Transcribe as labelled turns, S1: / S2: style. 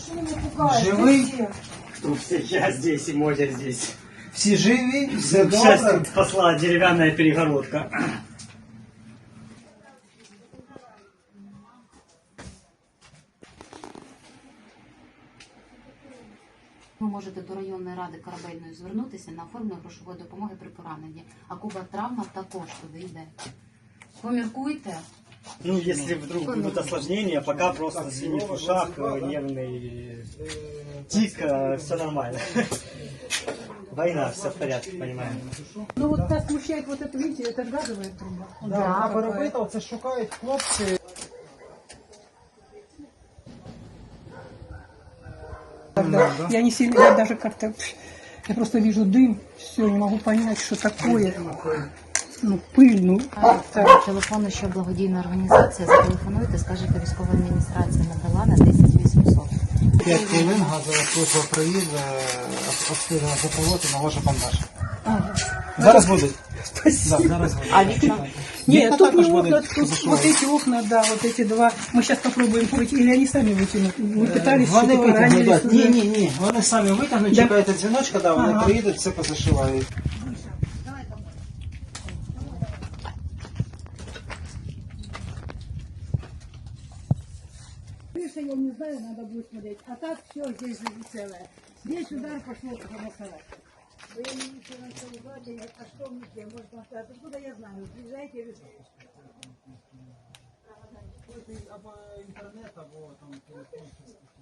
S1: Живий?
S2: Кто все? Я здесь и Мотя здесь.
S1: Всі живі? Все
S2: К счастью,
S1: добре?
S2: спасла деревянная перегородка.
S3: Ви можете до районної ради Корабельної звернутися на оформлення грошової допомоги при пораненні. А Куба травма також туди йде. Поміркуйте.
S2: Ну, если вдруг будут осложнения, пока просто синий в ушах, нервный тик, все нормально. Война, все в порядке, понимаем.
S4: Ну вот нас смущает вот это, видите, это ж газовая труба.
S1: Да, вона перебита, оце шукають хлопці.
S4: Да. Я не сильно, я даже как-то, я просто вижу дым, все, не могу понять, что такое. Ну, пыль, ну.
S3: Телефону, що благодійна організація, зателефонуйте, скажете, військова адміністрація надала на 10800.
S1: 5 хвилин газова служба приїде, обстеження запровод і наложить бандаж.
S4: Ага.
S1: Зараз будуть.
S4: Спасибо.
S1: Да, зараз будуть.
S3: А вікна?
S4: Нет, тут не
S1: також
S4: окна,
S1: будуть
S4: тут
S1: зашивати.
S4: вот эти окна, да, вот эти два. Мы сейчас попробуем выйти, или они сами вытянут. Мы пытались,
S1: Вони
S4: что-то ранились
S1: витягнуть.
S4: уже.
S1: Ні. Вони самі витягнуть,
S4: Да.
S1: чекаєте дзвіночка, да, вони
S4: Ага.
S1: приїдуть, все позашивають.
S4: Крыша, я не знаю, надо будет смотреть. А так все здесь целое. Здесь удар пошло помахать. Вы не видите, а что мне, может, откуда я знаю? Приезжайте,
S1: Або інтернет, або там телефон.